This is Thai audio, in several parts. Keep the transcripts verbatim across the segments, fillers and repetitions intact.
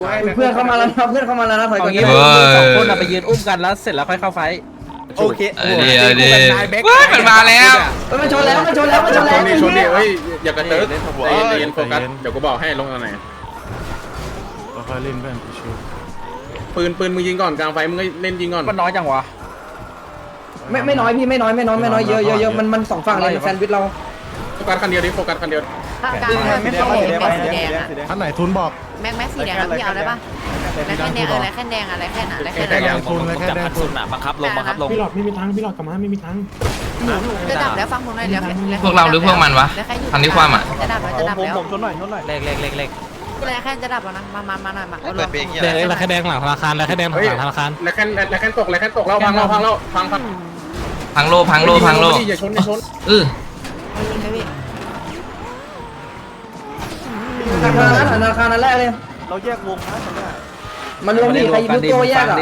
เพื่อนเข้ามาแล้วนะเพื่อนเข้ามาแล้วนะถอยก่อนสองคนไปยืนอุ้มกันแล้วเสร็จแล้วค่อยเข้าไฟโอเคเดี๋ยวเดี๋ยวว้ามันมาแล้วมันชนแล้วมันชนแล้วมันชนแล้วชนดิชนดิเฮ้ยอย่ากระเติร์กใจเย็นโฟกัสเดี๋ยวกูบอกให้ลงตรงไหนค่อยเล่นเพื่อนชิวปืนปืนมึงยิงก่อนกลางไฟมึงก็เล่นยิงก่อนมันน้อยจังวะไม่ไม่น้อยพี่ไม่น้อยไม่น้อยไม่น้อยเยอะเยอะเยอะมันมันสองฝั่งเลยแซนด์วิชเราโฟกัสคันเดียวดิโฟกัสคันเดียวกลางไม่ต้องสีแดงสีแดงอ่ะท่านไหนทุนบอกแม็กแม็กสีแดงแล้วพี่เอาได้ปะอะไรแค่แดงอะไรแค่แดงอะไรแค่ไหนอะไรแค่แค่ไหแดนงทุนเลยแค่แดงทุนบังคับลงบังคับลงพี่หลอดไม่มีทางพี่หลอดกลับมาไม่มีทางจะดับแล้วฟังผมหน่อยเดี๋ยวพวกเราหรือพวกมันวะทำที่ความอ่ะจะดับแล้วจะดับแล้วผมชนหน่อยชนหน่อยเล็กเล็กเล็กเล็กอะไรแค่จะดับแล้วนะมามามาหน่อยมาเปิดเพลงแดงแล้วแค่แดงหลังธนาคารแล้วแค่แดงหลังธนาคารแล้วแค่แล้วแค่ตกแล้วแค่ตกเราพังเราพังเราพังพังพังโลพังโลพังโลอย่าชนอย่าชนเออธนาคารนั้นธนาคารนั้นแรกเลยเราแยกวงนะตอนนี้มันรวมดิใครยิงลูกโตแยกอ่ะ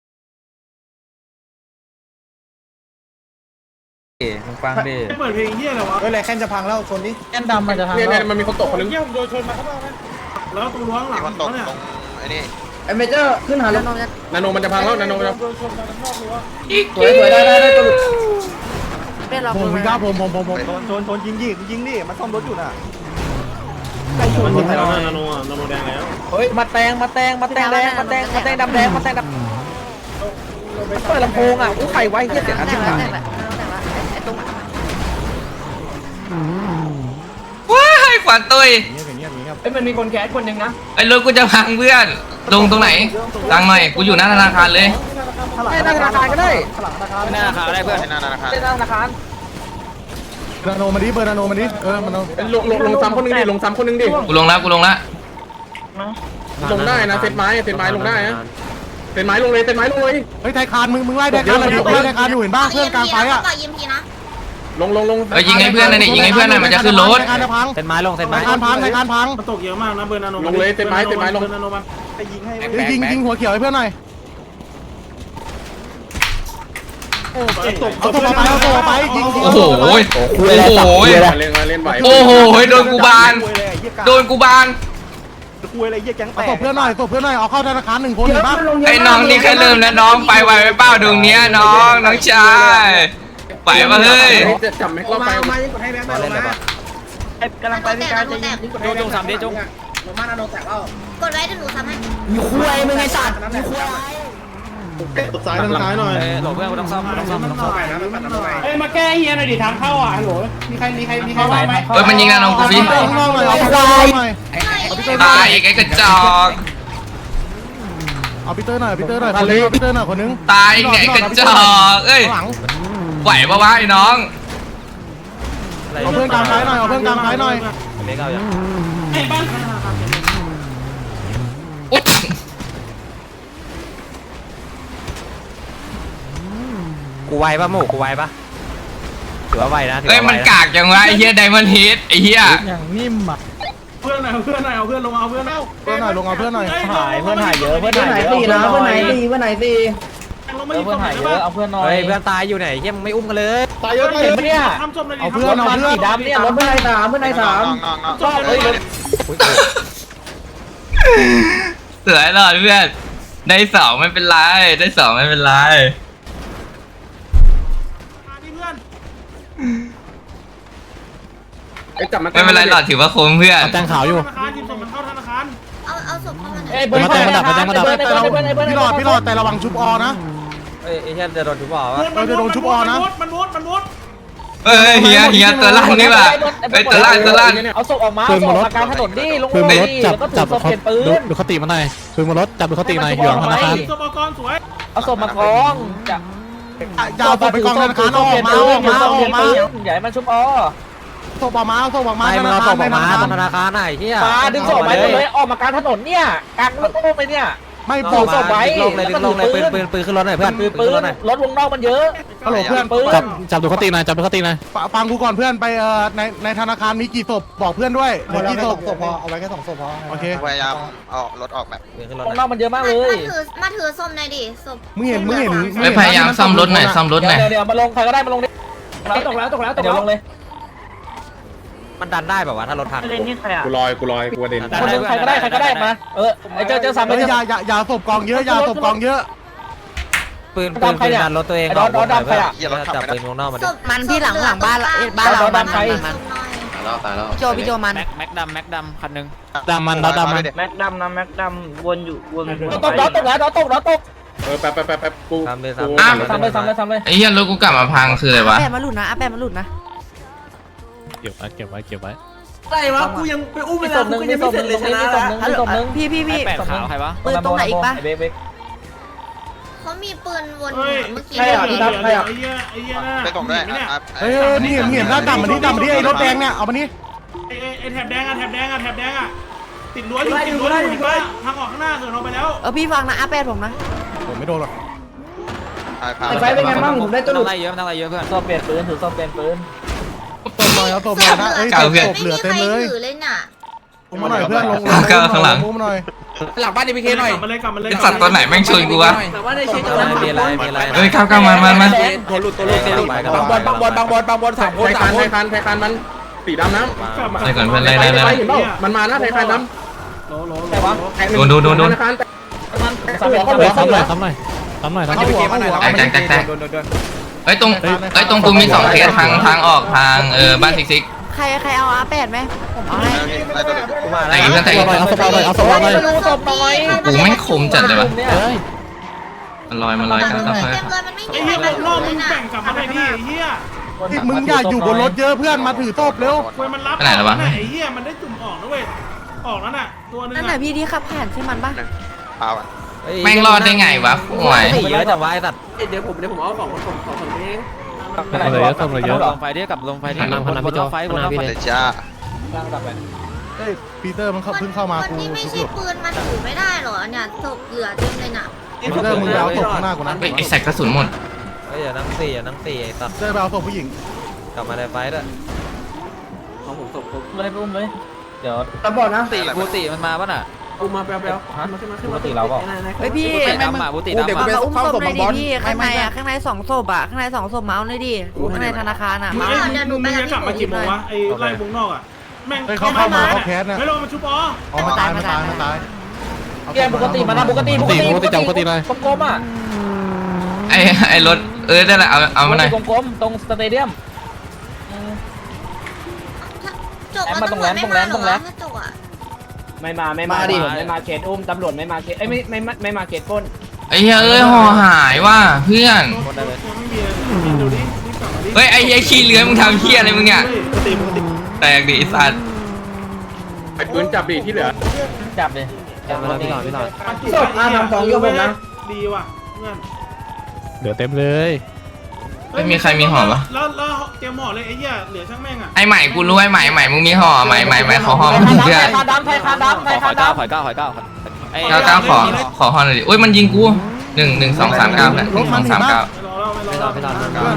มึงฟังดิเปิดเพลงเฮียอะไรวะเฮ้ยอะไรแค่จะพังแล้วคนนี้แค่ดำมันจะพังเนี่ยแล้เนี่ยว มันมีคนตกคนนึงเฮียผมโดนชนมาเข้ามาแล้วตรงรั้วหลัมีงคนตกเนี่ยตรงไอ้นี่ไอเมเจอร์ขึ้นหาแล้วนาโนมันจะพังแล้วนาโนมันจะโดนชนมาข้างนอกรั้วสวยสวยได้ได้ได้ตัวหลุดเป็นเราผมผมกล้าผมผมผมผมโดนโดนโดนยิงยิงยิงดิมันซ่อมรถอยู่น่ะมันยิงแล้วนาโนนาโนแดงแล้วเฮ้ยมาแตงมาแตงมาแตงแดงมาแตงมาแตงดำแดงมาแตงดำเปิดลำโพงอ่ะอู้ใครไว้เฮียเสียงอันแต่ที่ละไหนแต่ละแต่ละไอ้ตรงว้ายขวัญตุยเงียบเงียบเงียบเอ้ยมันมีคนแคสคนหนึ่งนะไอ้รถกูจะพังเพื่อนลงตรงไหนตังหน่อยกูอยู่หน้าธนาคารเลยไม่ได้ธนาคารก็ได้ไม่น่าราคาได้เพื่อนไม่น่าราคาไม่ได้ธนาคารนาโนมาดิเบอร์นาโนมาดิเออมันเอาลงลงลงซ้ำคนนึงดิลงซ้ำคนนึงดิกูลงแล้วกูลงแล้วลงได้นะเซตไม้เซตไม้ลงได้นะเซตไม้ลงเลยเซตไม้ลงเลยเฮ้ยไทยคานมึงมึงไล่ไทยคานเลยไล่ไทยคานอยู่เห็นบ้างเพื่อนกลางไฟอ่ะต่อยิมพีนะลงลงลงเอ้ยยิงให้เพื่อนหน่อยดิยิงให้เพื่อนหน่อยมันจะขึ้นรถไทยคานจะพังเซ็นไม้ลงเซ็นไทไม้ยคานพังไทยคานพังมันตกเยอะมากนะเบอร์นาโนลงเลยเซตไม้เซตไม้ลงเบอร์นาโนมันไปยิงให้ยิงยิงหัวเขียวให้เพื่อนหน่อยตกเอาตัวไปเอาตัวไปยิงโอ้โหโอ้โหเล่นเล่นไหวโอ้โหโดนกูบานโดนกูบานคุยอะไรเยี่ยแก๊งแตเอากตัวเพื่อนหน่อยตัวเพื่อนหน่อยเอาเข้าธนาคารหนึ่งคนเห็นป่ะไอ้น้องนี่แค่เริ่มแล้วน้องไปไหวไปเป้าดวงเนี้ยน้องน้องชายไปมาเฮ้ยจะจับแม็กเราไปมาเล่นเลยปะกำลังไปที่การจะยิงจงสามเดจงกดไว้เดี๋ยวหนูทำให้มีคุยมึงไงสัตว์มีคุยซ้ายทางซ้ายหน่อยหลบเพื่อนกูต้องซ่อมกูต้องซ่อมกูต้องซ่อมเอ้ยมาแก้เฮียหน่อยดิทางเข้าอ่ะฮัลโหลมีใครมีใครมีใครว่าไหมเฮ้ยมันยิงนะน้องกูฟิเอาข้างนอกหน่อยเอาข้างนอกหน่อยตายอีกไอ้กระจอกเอาพีเตอร์หน่อยพีเตอร์หน่อยคนนึงพีเตอร์หน่อยคนนึงตายไงกระจอกเอ้ยหลังไหวปะวะไอ้น้องเอาเพื่อนกลางซ้ายหน่อยเอาเพื่อนกลางซ้ายหน่อยเล็กเอาอย่างไอ้บ้านอุ๊ยกูไวปะหมูกูไวปะถือว่าไวนะเอ้ยมันกากจังวะไอ้เหี้ยไดมอนด์เฮดไอ้เหี้ยอย่างนิ่มอ่ะเพื่อนหน่อยเอาเพื่อนหน่อยเอาเพื่อนลงเอาเพื่อนเอาเพื่อนหน่อยลงเอาเพื่อนหน่อยหายเพื่อนหายเยอะเพื่อนเพื่อนไหนหายเยอะตีนะเพื่อนไหนตีเพื่อนไหนตีลงไม่ยิงตรงไหนได้ป่ะเอาเพื่อนหน่อยเฮ้ยเพื่อนตายอยู่ไหนเยี่ยมไม่อุ้มกันเลยตายเยอะตายเยอะเนี่ยทำจบเลยดิเอาเพื่อนเอาเพื่อนดำเนี่ยรถเพื่อนไหนสามเพื่อนไหนสามน้องน้องน้องจบเลยเสือหลอดเพื่อนได้สองไม่เป็นไรได้สองไม่เป็นไรมาดิเพื่อนจับมาไม่เป็นไรหลอดถือว่าคุ้มเพื่อนแตงขาวอยู่ธนาคารทีมส่งมันเข้าธนาคารเอาเอาศพเข้ามาหน่อยเอ้ยเบิร์ดมาดับมาดับมาดับพี่หลอดพี่หลอดแต่ระวังชุบอนะเอ้ยไอ้เหี้ยจะโดนทุบบ่อวะมันมุดมันมุดมันมุดเอ้ยเฮียเฮียตัวลั่นนี่ว่ะไอ้ยตัวลั่นตัวลั่นเอาศพออกมาเอาศพออกมากลางถนนดิลงมาดิแล้วก็จับศพเปลี่ยนปืนดูคติมันหน่อยคือมารถจับดูคติหน่อยอยู่หลังธนาคารสมกรสวยเอาศพมาคล้องจับยาวไปกองธนาคารออกมาออกมาออกมาใหญ่มันชุบอ๋อศพออกมาศพออกมาไม่มันเอาศพออกมาตอนธนาคารไหนเฮียมาดึงศพไปเลยออกมากลางถนนเนี่ยกลางรถตู้ไปเนี่ยไม่บดึอกงศพไว้ลงเลยดึงลงเลยปืนปืนปืนขึ้นรถหน่อยเพื่อนปืนปืนรถวงนอกมันเยอะฮัลโหลเพื่อนปืนจับจับดูคติหน่อยจับดูคติหน่อยฟังกูก่อนเพื่อนไปเอ่อในในธนาคารมีกี่ศพบอกเพื่อนด้วยเหลือกี่ศพพอเอาไว้แค่สองศพพอโอเคพยายามเอารถออกแบบวงนอกมันเยอะมากเลยมาถือมาถือส้มหน่อยดิส้มมึงเห็นมึงเห็นไอ้ยพยายามซ่อมรถหน่อยซ่อมรถหน่อยเดี๋ยวเดี๋ยวมาลงใครก็ได้มาลงดิตกแล้วตกแล้วตกแล้วตกแล้วลงเลยมันดันได้แบบว่าถ้ารถทันเล่นนี่ใครอ่ะกูลอยกูลอยกูเด่นคนนึงใครก็ได้ใครก็ได้มาเออไอเจอเจอซ้ำไปเฮ้ยเจออย่าอย่าอย่าศพกองเยอะอย่าศพกองเยอะปืนปืนปืนดันรถตัวเองออกดำใครอ่ะเฮียรถขับจับไม่ปืได้นวงนอกมาดิมันพี่หลังหลังบ้านบ้านเรามันมันตายแล้วตายแล้วโจพี่โจมันแม็กดำแม็กดำคันนึงดำมันดำดำมันแม็กดำนะแม็กดำวนอยู่วนตกล้อตกล้อตกล้อตกเออแป๊บแป๊บแป๊บแป๊บกูซ้ำเลยกูซ้ำเลยซ้ำเลยซ้ำเลยไอ้เหี้ยรถกูกลับมาพังคืออะไรวะแปดมาหลุดนะอาแปดมาหลุดนะเก็บไว้เก็บไว้เก็บไว้อะไรวะกูยังไปอุ้มเวลากูยังไม่เสร็จเลยชนะมีศพนึงพี่พี่พี่แปดขาวใครวะปืนตรงไหนอีกปะเบรกเบรกเขามีปืนวนเฮ้ยเมื่อกี้ใครอ่ะใครอ่ะไอ้เหี้ยไอ้เหี้ยน่ะไปส่งด้วยเนี่ยอ่ะเฮ้ยเฮ้ยนี่เห็นเห็นหน้าดำมันนี่ดำมันนี่ไอ้รถแดงเนี่ยเอามานี่ไอ้ไอ้แถบแดงอ่ะแถบแดงอ่ะแถบแดงอ่ะติดรั้วอยู่ติดรั้วอยู่เห็นปะทางออกข้างหน้าเกิดเราไปแล้วเออพี่ฟังนะอาแปดผมนะผมไม่โดนหรอกไอ้ไฟเป็นไงบ้างผมได้ตัวหลุดอะไรเยอะมันอะไรเยอะเพื่อนซ่อมเปลี่ยนปืนถือซ่อมเปลี่ยนปืนศพหน่อยเอาศพหน่อยนะเอ้ยศพศพเหลือเต็มเลยถือเลยน่ะมุมมาหน่อยเพื่อนลงมุมมาหน่อยหลังบ้านดีพีเคหน่อยกลับมาเลยกลับมาเลยไอ้สัตว์ตัวไหนแม่งชนกูวะแต่ว่าได้ใช้จังหวะมีอะไรมีอะไรเฮ้ยเข้าเข้ามามามาตัวหลุดตัวหลุดตัวหลุดบางบอลบางบอลบางบอลบางบอลสามคนไทยสาคัมนคไทนยคันไทยคันมันสีดำน้ไล่ก่อนเพื่อนำไล่ไล่ไล่เห็นเปล่ามันมานะไทยคันน้ำโหลโหลแต่ว่าโดนโดนโดนโดนธนาคารแต่สามเป็นเฮ้ยซ้ำหน่อยซ้ำหน่อยซ้ำหน่อยซ้ำหน่อยแตกแตกแตกเฮ้ยตรงเฮ้ยตรงกูมีสองเคสทางทางออกทางเออบ้านซิกซิกใครใครเอาอาแปดไหมผมเอาให้ได้ตัวหนึ่งแต่อีกเพื่อนแต่อีกเอาศพหน่อยเอาศพหน่อยไม่รู้ศพหน่อยกูแม่งคมจัดเลยวะเฮ้ยมันลอยมันลอยกันค่อยเต็มเลยมันไม่มีไอ้ใครเหี้ยมารอบเลมึยงน่ะแบ่งกลับมาเลยดิไอ้เหี้ยมึงอย่าอยู่บนรถเยอะเพื่อนมาถือศพเร็วควยมันรับไอ้เหี้ยมันได้จุ่มออกนะเว้ยออกแล้วน่ะตัวนึงนั่นแหละพี่ที่ขับผ่านใช่มันปะเปล่าอ่ะๆแม่งรอดได้ไงวะห่วยเยอะจังวะไอ้สัตว์เดี๋ยวผมเดี๋ยวผมเอาของผมของผมเองเลยเยอะศพเลยเยอะลงไฟที่กับลงไฟที่ลงไฟบนไฟเดี๋ยวจ้าเฮ้ยปีเตอร์มันเข้าเพิ่งเข้ามาคนกูที่ไม่ใช่ปืนมันถือไม่ได้หรอเนี่ยศพเหลือเต็มเลยน่ะปีเตอร์มึงไปเอาศพข้างหน้ากูนะเฮ้ยไอ้ใส่กระสุนหมดเฮ้ยอย่านั่งสี่อย่านั่งสี่ไอ้สัตว์เตอร์ไปเอาศพผู้หญิงกลับมาในไฟด้วยของผมศพผมเลยปุ้มเลยเดี๋ยวตาบอดนะตีบูติมันมาป่ะน่ะเอามาแป๊บๆฮะบูติเราเปล่าเฮ้ยพี่บูติดำอ่ะบูติดำมาอ่ะอุ้มศพหน่อยดิพี่ข้างในอ่ะข้างในสองศพอ่ะข้างในสองศพเมาส์เลยดิข้างในธนาคารอ่ะมึงเมาส์มึงจะกลับมากี่โมงวะไอ้ไล่วงนอกอ่ะแม่งเฮ้ยเขาเข้ามาเขาแคสนะไม่ลงมาชุบอ๋อออกมาตายมาตายมาตายแกปกติมานะปกติปกติกลมๆอ่ะไอ้ไอ้รถเออได้ละเอาเอามาหน่อยกลมๆตรงสเตเดียมจบมันตำรวจไม่มาหรอวะถ้าจบอ่ะไม่มาไม่มาดิไม่มาเขตอุ้มตำรวจไม่มาเขตเอ้ยไม่ไม่ไม่มาเขตปล้นไอ้เหี้ยเอ้ยห่อหายว่ะเพื่อนคนได้เลยไม่มีดูดิรีบกลับมาดิเฮ้ยไอ้เหี้ยขี้เลื้อยมึงทำเหี้ยอะไรมึงเนี่ยปกติปกติแตกดิไอ้สัตว์ไอ้ปืนจับดีที่เหลือจับเลยจับมาพี่หน่อยพี่หน่อยศพอาทำสองโยกผมนะดีว่ะเพื่อนเหลือเต็มเลยไม่มีใครมีห่อปะแล้วแล้วเตรียมห่อเลยไอ้เหี้ยเหลือช่างแม่งอ่ะไอ้ใหม่กูรู้ไอ้ใหม่ใหม่มึงมีห่อใหม่ใหม่ใหม่ขอห่อมึงเพื่อนคาดำไทยคาดำไทยคาดำหอยเก้าหอยเก้าหอยเก้าเก้าเก้าขอขอห่อหน่อยดิอุ้ยมันยิงกูหนึ่งหนึ่งสองสามเก้าหนึ่งสองสามเก้าไม่รอแล้วไม่รอแล้วไม่รอแล้วเพื่อน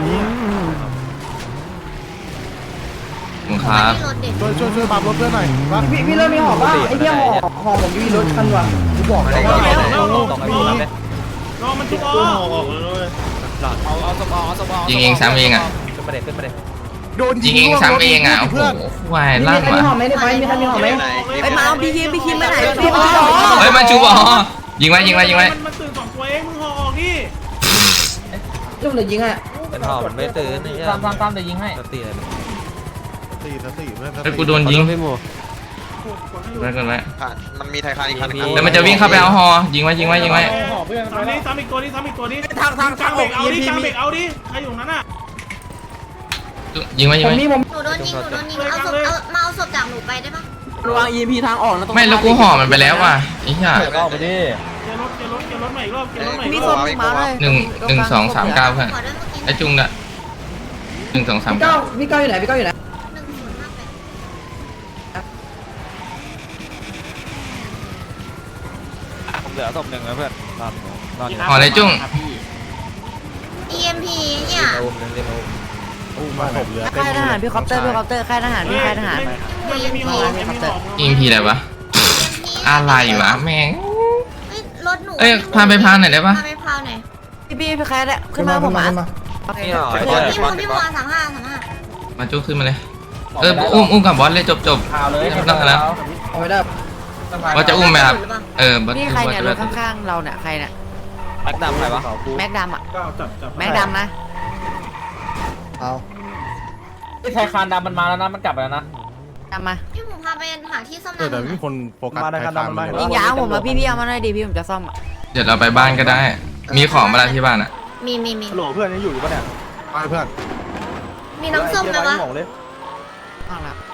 มึงครับที่รถเด็กช่วยช่วยช่วยบัมรถเพื่อนหน่อยว่าพี่พี่เริ่มมีหอบป่ะไอ้เหี้ยหอบหอบผมอยู่รถคันว่ะกูบอกแล้วว่าตกไอ้พวกนั้นเลยรอมันชุบอ๋อเอาเอาสมองเอาสมองยิงเองซ้ำเองอ่ะขึ้นมาเด็กขึ้นมาเด็กโดนยิงเองซ้ำเองอ่ะโอ้โหเพื่อนวายมีลั่นใครมีว่ะหอบไหมในไฟมีใครมีหอบไหมไปมาเอาพี่คิมพี่คิมไปไหนพี่คิมเฮ้ยมันชูบอยิงไว้ยิงไว้ยิงไว้มันตื่นสองตัวเองมึงห่อออกดิจุ่มเลยยิงอ่ะเป็นหอมไม่ตื่นนี่ตามตามตามเดี๋ยวยิงให้ตีเลยสี่สี่เพื่อนเฮ้ยกูโดนยิงไว้ก่อนไว้ผ่านมันมีไทยคันอีกคันนึงแล้วมันจะวิ่งเข้าไปเอาห่อยิงไว้ยิงไว้ยิงไว้ซ้ำนี้ซ้ำอีกตัวนี้ซ้ำอีกตัวนี้ทางทางกลางเบรกเอาดิกลางเบรกเอาดิใครอยู่นั้นอ่ะยิงไว้ยิผงมไว้มีผมหนูโดนยิงหนูโดนยิงเอาศพเอามาเอาศพจากหนูไปได้ปะระวัง อี เอ็ม พี ทางออกนะตรงไม่แล้วกูห่อมันไปแล้วว่ะไอ้เหี้ยก็ไปดิเกียร์รถเกียร์รถเกียร์รถใหม่อีกรอบเกียร์รถใหม่มีอีกศรอบพหนึ่งเมาส์เลยหนึ่งหนึ่งสองสามเก้าเพื่อนขอด้วยเมื่อกี้ไอ้จุงน่ะหนึ่งสองสามพี่เก้าเก้าพี่เก้าอยู่ไหนพี่เก้าอยู่ไหนหนึ่งศูนย์ห้าแปดผมเหลือศพหนึ่งแล้วเพื่อนนอนนอนอยู่ห่อเลยจุ้งอี เอ็ม พี เนี่ยอุ้มนึงเรียกมาอุ้มอู้มาศพเหลือเต็มค่ายทหารพี่คอปเตอร์พี่คอปเตอร์ค่ายทหารพี่ค่ายทหารไม่มีหอไม่มีหออิมพีอะไรวะอะไรวะแม่งเฮ้ยรถหนูเอ้ยพาไปพาหน่อยได้ปะพาไปพาหน่อยพี่พี่พี่ค่ายขึ้นมาผมมาโอเคนี่หรอพี่ไอ้บัวเจ้าพี่บัวพี่บัวสามห้าสามห้ามาจุ้งขึ้นมาเลยเอออุ้มอุ้มกับบอสเลยจบจบไม่ต้องกันแล้วเอาไม่ได้ว่าจะอุ้มไหมครับเออบอสนี่ใครเนี่ยรว่าถจะข้างๆเราเนี่ยใครเนี่ยแม็กดำใครวะแม็กดำอ่ะก็จับจับแม็กดำนะเอาไอ้ไทยคานดำมันมาแล้วนะมันกลับไปแล้วนะดำมาพี่ผมพาไปหาที่ซ่อมเออแต่ไม่มีคนโฟกัสใครตามเลยยิงยางผมมาพี่พี่เอามาหน่อยดิพี่ผมจะซ่อมอ่ะเดี๋ยวเราไปบ้านก็ได้ มีของมาแล้วที่บ้านอ่ะมีมีมีฮัลโหลเพื่อนยังอยู่อยู่ปะเนี่ยไปเพื่อนมีน้ำส้มไหมวะข้างหลัง